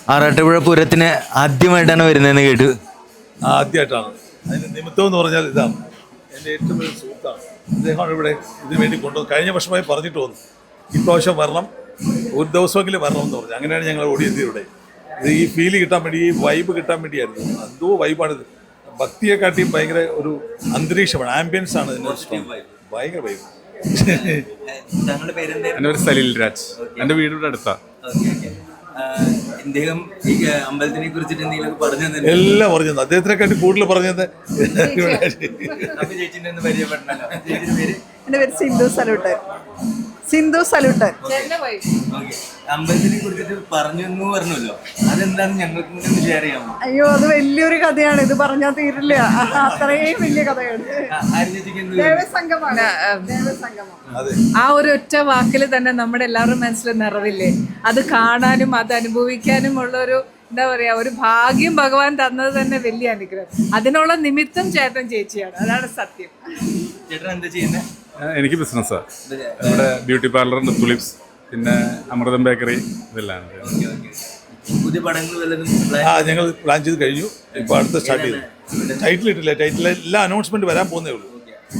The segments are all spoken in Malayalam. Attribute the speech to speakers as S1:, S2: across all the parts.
S1: ആറാട്ടുപുഴ പൂരത്തിന് ആദ്യമായിട്ടാണ് വരുന്നതെന്ന് കേട്ടു.
S2: ആദ്യമായിട്ടാണ്. അതിന് നിമിത്തം എന്ന് പറഞ്ഞാൽ ഇതാണ്, എൻ്റെ ഏറ്റവും വലിയ സുഹൃത്താണ്. അദ്ദേഹമാണ് ഇവിടെ ഇതിനു വേണ്ടി കൊണ്ടുവന്ന് കഴിഞ്ഞ വർഷമായി പറഞ്ഞിട്ട് വന്നു, ഇപ്രാവശ്യം വരണം, ഒരു ദിവസമെങ്കിലും വരണം എന്ന് പറഞ്ഞു. അങ്ങനെയാണ് ഞങ്ങൾ ഓടിയെത്തിയത് ഇവിടെ. ഇത് ഈ ഫീല് കിട്ടാൻ വേണ്ടി, ഈ വൈബ് കിട്ടാൻ വേണ്ടിയായിരുന്നു. എന്തോ വൈബാണിത്. ഭക്തിയെക്കാട്ടിയും ഭയങ്കര ഒരു അന്തരീക്ഷമാണ്, ആംബിയൻസ് ആണ് ഇതിന് ഇഷ്ടം. ഭയങ്കര വൈബ്.
S3: താങ്കളുടെ പേരെന്താ?
S4: എൻ്റെ പേര് സലീൽ രാജ്. എൻ്റെ വീട് ഇവിടെ അടുത്താ.
S3: അദ്ദേഹം ഈ അമ്പലത്തിനെ കുറിച്ചിട്ട് എന്തെങ്കിലും പറഞ്ഞു തന്നെ?
S2: എല്ലാം പറഞ്ഞു, അദ്ദേഹത്തിനെക്കാട്ടി കൂടുതൽ പറഞ്ഞത്.
S3: അപ്പൊ ചേച്ചിന്റെ ഒന്ന് പരിചയപ്പെടണല്ലോ. ചേച്ചിയുടെ പേര്?
S5: എൻ്റെ പേര് സിന്ധു സലൂട്ടൻ. സിന്ധു സലൂട്ടൻ.
S3: അമ്പലത്തിനെ കുറിച്ചിട്ട് പറഞ്ഞു എന്ന് പറഞ്ഞല്ലോ, അതെന്താന്ന് ഞങ്ങൾക്ക് കൂടെ ഷെയർ ചെയ്യാമോ?
S5: അയ്യോ, അത് വലിയൊരു കഥയാണ്, ഇത് പറഞ്ഞാൽ തീരില്ല, അത്രയും വലിയ കഥയാണ്. ദേവസംഗമാണ്.
S6: ആ ഒരു ഒറ്റ വാക്കിൽ തന്നെ നമ്മുടെ എല്ലാവരുടെ മനസ്സിൽ നിറവില്ലേ, അത് കാണാനും അത് അനുഭവിക്കാനും ഉള്ളൊരു എന്താ പറയാ, ഒരു ഭാഗ്യം ഭഗവാൻ തന്നത് തന്നെ വലിയ അനുഗ്രഹം. അതിനുള്ള നിമിത്തം ചേട്ടൻ ചേച്ചിയാണ്, അതാണ് സത്യം.
S3: ചേട്ടൻ എന്താ ചെയ്യുന്നത്?
S4: എനിക്ക് ബിസിനസ്സാണ്. ഇവിടെ ബ്യൂട്ടി പാർലറുണ്ട്, തുലിപ്സ്, പിന്നെ അമൃതം ബേക്കറി, ഇതെല്ലാം.
S3: പുതിയ പടങ്ങൾ വല്ലതും
S2: ഞങ്ങൾ പ്ലാൻ ചെയ്ത് കഴിഞ്ഞു. ഇപ്പോൾ അടുത്ത സ്റ്റാർട്ട് ചെയ്തു. ടൈറ്റിൽ ഇട്ടില്ല, ടൈറ്റിൽ എല്ലാം അനൗൺസ്മെന്റ് വരാൻ പോകുന്നേ ഉള്ളൂ.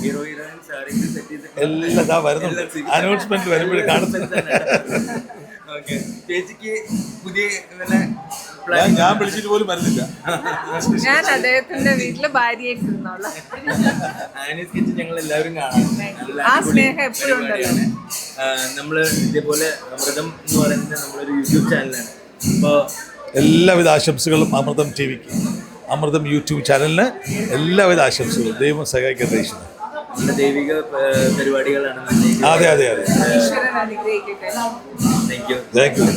S2: എല്ലാം ഇതാ വരുന്നുണ്ട്, അനൗൺസ്മെന്റ് വരുമ്പോഴേ കാണുന്നത്.
S3: ചേച്ചിക്ക് പുതിയ
S2: ഞാൻ വിളിച്ചിട്ട് പോലും വരുന്നില്ല.
S6: ഞാൻ അദ്ദേഹത്തിന്റെ വീട്ടില് ഭാര്യയായിട്ട് ഇരുന്നോളാം.
S3: ഞങ്ങൾ എല്ലാവരും കാണാം.
S6: ആ സ്നേഹം എപ്പോഴും ഉണ്ടല്ലോ.
S3: നമ്മള് ഇതേപോലെ അമൃതം എന്ന് പറയുന്നത് നമ്മളൊരു യൂട്യൂബ് ചാനലാണ്. അപ്പോൾ
S2: എല്ലാവിധ ആശംസകളും അമൃതം ടിവിക്ക്, അമൃതം യൂട്യൂബ് ചാനലിന് എല്ലാവിധ ആശംസകളും. ദൈവം സഹായിക്കട്ടെ.
S3: നമ്മുടെ ദൈവിക പരിപാടികളാണ്.
S2: അതെ അതെ അതെ.
S6: ഈശ്വരൻ അനുഗ്രഹിക്കട്ടെ.
S3: Thank you.
S2: Thank you.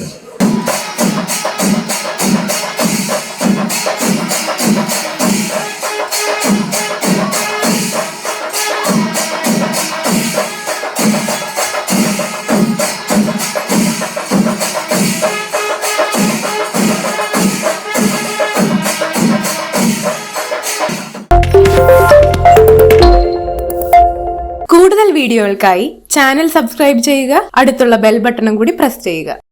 S7: കൂടുതൽ വീഡിയോകൾക്കായി ചാനൽ സബ്സ്ക്രൈബ് ചെയ്യുക, അടുത്തുള്ള ബെൽ ബട്ടണും കൂടി പ്രസ് ചെയ്യുക.